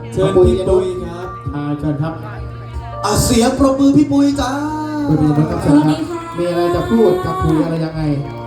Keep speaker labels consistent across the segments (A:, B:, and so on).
A: เชิญพี่ปุ้ยครับ
B: เชิญครับ
A: เสียงปรบมือพี่ปุ้ยจ้า
B: คุณมีอะไรครับเชิญครับมีอะไรจะพูดจะคุยอะไรยังไง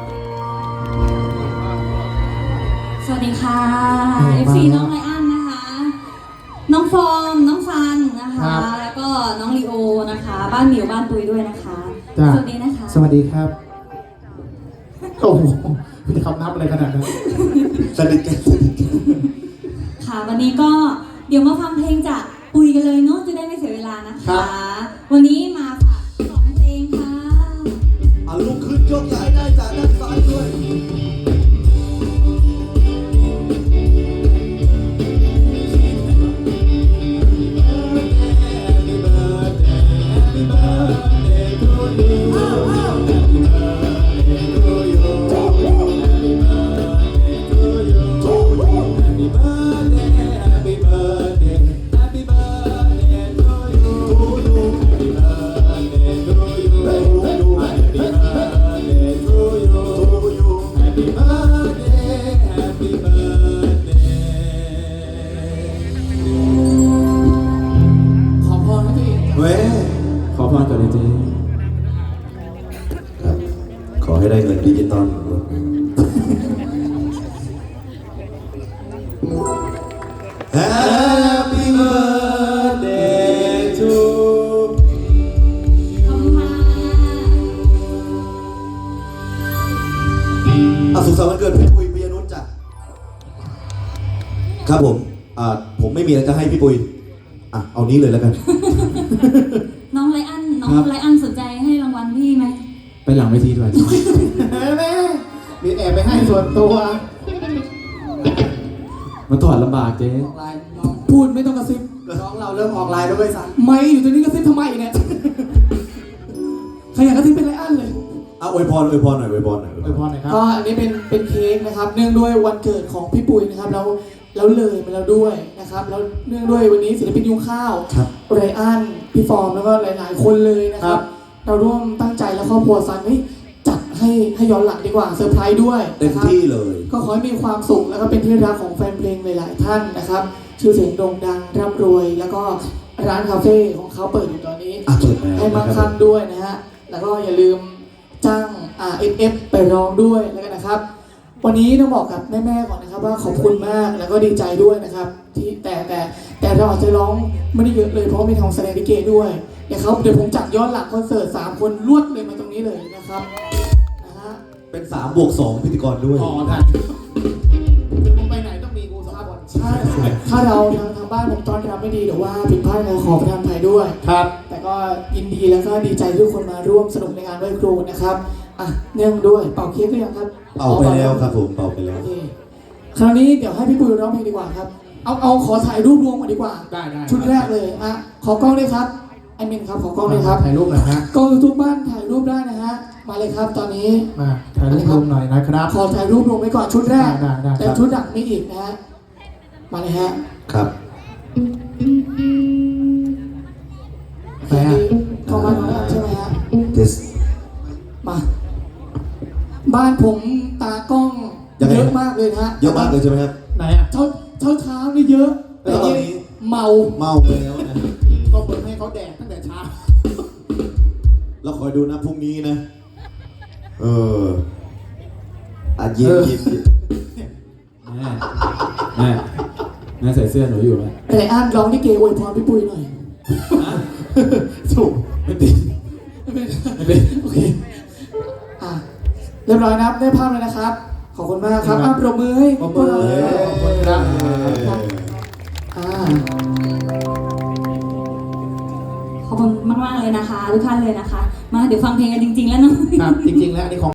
C: สวัสดีค่ะ FC น้องไลอ้อนนะคะน้องฟอร์มน้องฟันนะคะแล้วก็น้องลีโอนะคะบ้านหมิวบ้านปุ้ยด้วยนะคะสวัสดีนะคะ
B: สวัสดีครับโอ้โหมีคำนับอะไรขนาดนั้น
A: สนิทกัน
C: ค่ะวันนี้ก็เดี๋ยวมาฟังเพลงจากปุ้ยกันเลยเนาะจะได้ไม่เสียเวลานะคะวันนี้มาฝาก2เพลงค่ะ
A: ลุกขึ้นยกย้ายได้จากด้านซ้ายด้วย
B: ขอพรก่อนเลยเจ๊
A: ครับขอให้ได้เงินดิจิตอลHappy birthday to
C: ขอบคุณค่ะ
A: สุขสันต์วันเกิดพี่ปุ้ยปิยนุชจ้ะครับผมไม่มีอะไรจะให้พี่ปุ้ยเอานี้เลยแล้วกัน
C: น้องไลอ้อนสนใจให้รางวัลพี่ไหม
B: ไปหลังเวทีด้วยแม่มีแอบไปให้ส่วนตัวมันถอดลำบากเจ๊พูดไม่ต้องกระซิบน้องเราเริ่มออกไลน์แล้วด้วยซ้ำไม่อยู่ตรงนี้กระซิบทำไมเนี่ยใครอยากกระซิบเป็นไลอ้อนเลย
A: อวยพรหน่อยอวยพรหน่อย
B: ครับก็อันนี้เป็นเค้กนะครับเนื่องด้วยวันเกิดของพี่ปุ้ยนะครับแล้วเลยมาแล้วด้วยนะครับแล้วเนื่องด้วยวันนี้ศิลปินยุงข้าวไรอันพี่ฟอร์มแล้วก็หลายๆคนเลยนะครับเราร่วมตั้งใจและครอบครัวซันจัดให้ย้อนหลังดีกว่าเซอร์ไพรส์ด้วย
A: เต็มที่เลย
B: ก็ขอให้มีความสุขแล้วก็เป็นที่รักของแฟนเพลงหลายๆท่านนะครับชื่อเสียงโด่งดังร่ำรวยแล้วก็ร้านคาเฟ่ของเขาเปิดอยู่ตอนนี้ให้มั่งคั่งด้วยนะฮะแล้วก็อย่าลืมจ้าง RFF ไปร้องด้วยแล้วกันนะครับวันนี้ต้องบอกกับแม่ๆก่อนนะครับว่าขอบคุณมากแล้วก็ดีใจด้วยนะครับที่แต่เราอาจจะร้องไม่ได้เยอะเลยเพราะมีทองแสดงลิเกด้วยนะครับเดี๋ยวผมจัดย้อนหลังคอนเสิร์ต3คนรวดเลยมาตรงนี้เลยนะครับนะฮะ
A: เป็น3+2พิธีกรด้วย
B: ได้ผมไปไหนต้องมีกู2คนใช่ถ้าเราทางบ้านผมตอนทำไม่ดีหรือว่าผิดพลาดขอประทานอภัยด้วยครับแต่ก็ยินดีแล้วก็ดีใจทุกคนมาร่วมสนุกในงานไหว้ครูนะครับเนื่องด้วยเป่าเค้กหรือยังครับ
A: เป่าไปแล้วครับผมเป่าไปแล้ว
B: คราวนี้เดี๋ยวให้พี่ปุ้ยร้องเพลงดีกว่าครับเอาขอถ่ายรูปรวมก่อนดีกว่าได้ชุดแรกเลยขอกล้องเลยครับไอมินครับขอกล้องเลยครับถ่ายรูปหน่อยฮะกล้องทุกบ้านถ่ายรูปได้นะฮะมาเลยครับตอนนี้มาถ่ายรูปรวมหน่อยนะครับขอถ่ายรูปรวมไว้ก่อนชุดแรกแต่ชุดหลังไม่อีกนะฮะมาเลยฮะ
A: ครับ
B: ไปฮะเข้ามาแล้วใช่ไหมฮะมาบ้านผมตากล้องเยอะมากเลยนะฮะ
A: เยอะมากเลยใช่ไหมครับ
B: ไหนเช้านี่เยอะ
A: แต่ตอนนี้
B: เมา
A: ไปแล้วนะ
B: ก็เปิดให้เขาแดกตั้งแต่เช้า
A: เราคอยดูนะพรุ่งนี้นะยิ้ม
B: แม่ใส่เสื้อหนูอยู่ไหมไอ้ร้องที่เกย์อวยพรพี่ปุ้ยหน่อยถูกไม่ติดโอเคเรียบร้อยนะครับได้ภาพเลยนะครับขอบคุณมากครับปรบมือให้พวกเราขอบคุณครับ
C: ขอบคุณมากๆเลยนะคะทุกท่านเลยนะคะมาเดี๋ยวฟังเพลงกันจริงๆแล้วเนาะ
B: ครับจริงๆแล้วอันนี้ของ